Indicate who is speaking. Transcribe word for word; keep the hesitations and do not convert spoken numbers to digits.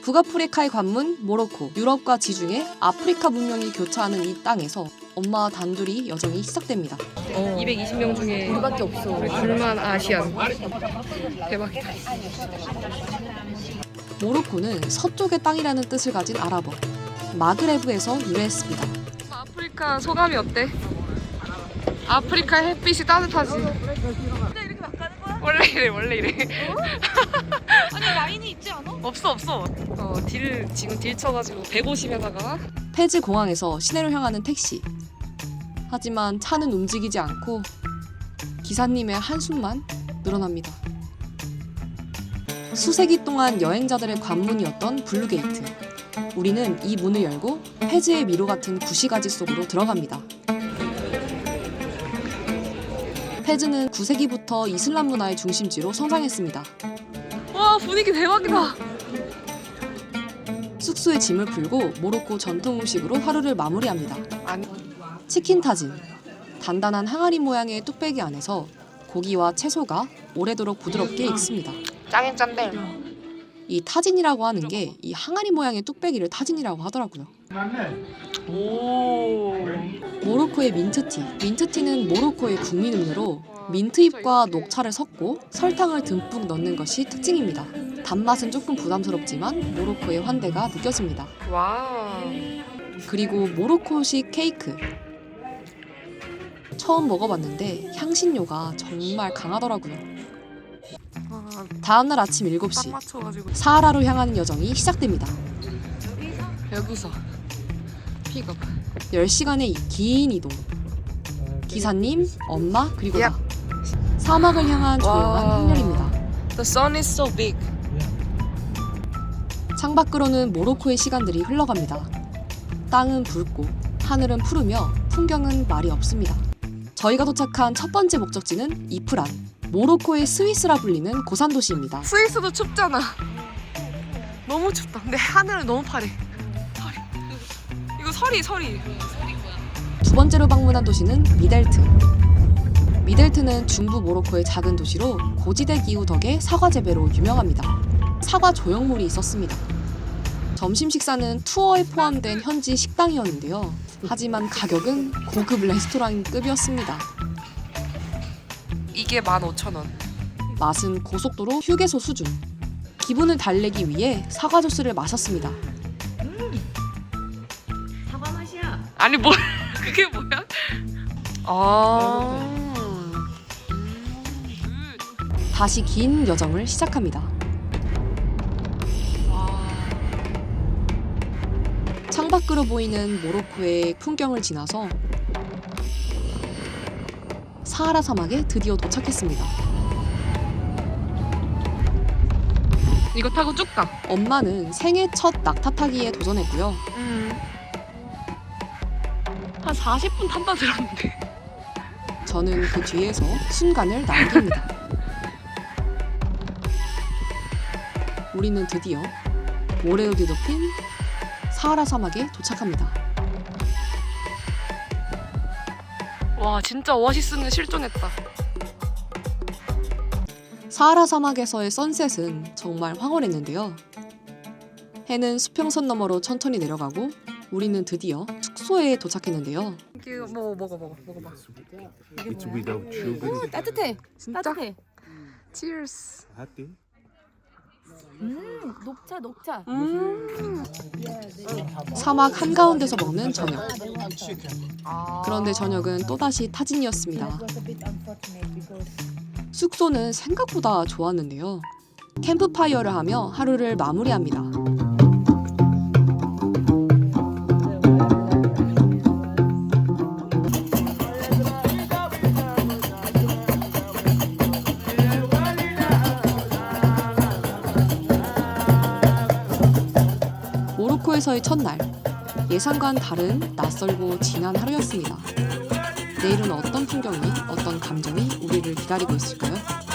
Speaker 1: 북아프리카의 관문 모로코, 유럽과 지중해, 아프리카 문명이 교차하는 이 땅에서 엄마와 단둘이 여정이 시작됩니다.
Speaker 2: 어. 이백이십 명 중에
Speaker 1: 우리밖에 없어.
Speaker 2: 우리 둘만 아시안. 대박이다.
Speaker 1: 모로코는 서쪽의 땅이라는 뜻을 가진 아랍어, 마그레브에서 유래했습니다.
Speaker 2: 아프리카 소감이 어때? 아프리카 햇빛이 따뜻하지. 원래 이래 원래 이래.
Speaker 3: 아니 라인이 있지 않아?
Speaker 2: 없어 없어. 어딜 지금 딜 쳐가지고 백오십에다가
Speaker 1: 페즈 공항에서 시내로 향하는 택시. 하지만 차는 움직이지 않고 기사님의 한숨만 늘어납니다. 수세기 동안 여행자들의 관문이었던 블루게이트. 우리는 이 문을 열고 페즈의 미로 같은 구시가지 속으로 들어갑니다. 페즈는 구 세기부터 이슬람 문화의 중심지로 성장했습니다.
Speaker 2: 와 분위기 대박이다.
Speaker 1: 숙소에 짐을 풀고 모로코 전통 음식으로 하루를 마무리합니다.
Speaker 2: 아니
Speaker 1: 치킨 타진. 단단한 항아리 모양의 뚝배기 안에서 고기와 채소가 오래도록 부드럽게 익습니다.
Speaker 2: 짱인 짠데.
Speaker 1: 이 타진이라고 하는 게 이 항아리 모양의 뚝배기를 타진이라고 하더라고요.
Speaker 2: 오.
Speaker 1: 모로코의 민트티. 민트티는 모로코의 국민 음료로 민트잎과 녹차를 섞고 설탕을 듬뿍 넣는 것이 특징입니다. 단맛은 조금 부담스럽지만 모로코의 환대가 느껴집니다.
Speaker 2: 와.
Speaker 1: 그리고 모로코식 케이크. 처음 먹어봤는데 향신료가 정말 강하더라고요.
Speaker 2: 아,
Speaker 1: 다음날 아침 일곱
Speaker 2: 딱
Speaker 1: 시
Speaker 2: 맞춰가지고
Speaker 1: 사하라로 향하는 여정이 시작됩니다.
Speaker 2: 여기서 픽업.
Speaker 1: 열 시간의 긴 이동. 기사님, 엄마, 그리고 나. 사막을 향한 조용한
Speaker 2: 와.
Speaker 1: 항렬입니다.
Speaker 2: The sun is so big.
Speaker 1: 창밖으로는 모로코의 시간들이 흘러갑니다. 땅은 붉고 하늘은 푸르며 풍경은 말이 없습니다. 저희가 도착한 첫 번째 목적지는 이프란. 모로코의 스위스라 불리는 고산도시입니다.
Speaker 2: 스위스도 춥잖아. 너무 춥다. 근데 하늘은 너무 파래. 파래. 이거 서리 서리.
Speaker 1: 두 번째로 방문한 도시는 미델트. 미델트는 중부 모로코의 작은 도시로 고지대 기후 덕에 사과 재배로 유명합니다. 사과 조형물이 있었습니다. 점심 식사는 투어에 포함된 현지 식당이었는데요. 하지만 가격은 고급 레스토랑급이었습니다.
Speaker 2: 이게 만 오천 원.
Speaker 1: 맛은 고속도로 휴게소 수준. 기분을 달래기 위해 사과 주스를 마셨습니다.
Speaker 3: 사과 맛이야.
Speaker 2: 아니 뭘 그게 뭐야? 아.
Speaker 1: 다시 긴 여정을 시작합니다. 창밖으로 보이는 모로코의 풍경을 지나서 사하라 사막에 드디어 도착했습니다.
Speaker 2: 이거 타고 쭉 가.
Speaker 1: 엄마는 생애 첫 낙타 타기에 도전했고요.
Speaker 2: 음. 한 사십 분 탄다 들었는데.
Speaker 1: 저는 그 뒤에서 순간을 남깁니다. 우리는 드디어 모래로 뒤덮인 사하라 사막에 도착합니다.
Speaker 2: 와 진짜 오아시스는 실존했다.
Speaker 1: 사하라 사막에서의 선셋은 정말 황홀했는데요. 해는 수평선 너머로 천천히 내려가고 우리는 드디어 숙소에 도착했는데요.
Speaker 2: 이거 뭐 먹어 먹어 먹어봐.
Speaker 4: It's without sugar.
Speaker 3: 따뜻해.
Speaker 2: 진짜?
Speaker 3: 따뜻해.
Speaker 2: Cheers.
Speaker 4: Hati.
Speaker 3: 음 녹차 녹차.
Speaker 2: 음.
Speaker 1: 사막 한가운데서 먹는 저녁.
Speaker 2: 아.
Speaker 1: 그런데 저녁은 또다시 타진이었습니다. 숙소는 생각보다 좋았는데요. 캠프파이어를 하며 하루를 마무리합니다. 모로코에서의 첫날. 예상과는 다른 낯설고 진한 하루였습니다. 내일은 어떤 풍경이, 어떤 감정이 우리를 기다리고 있을까요?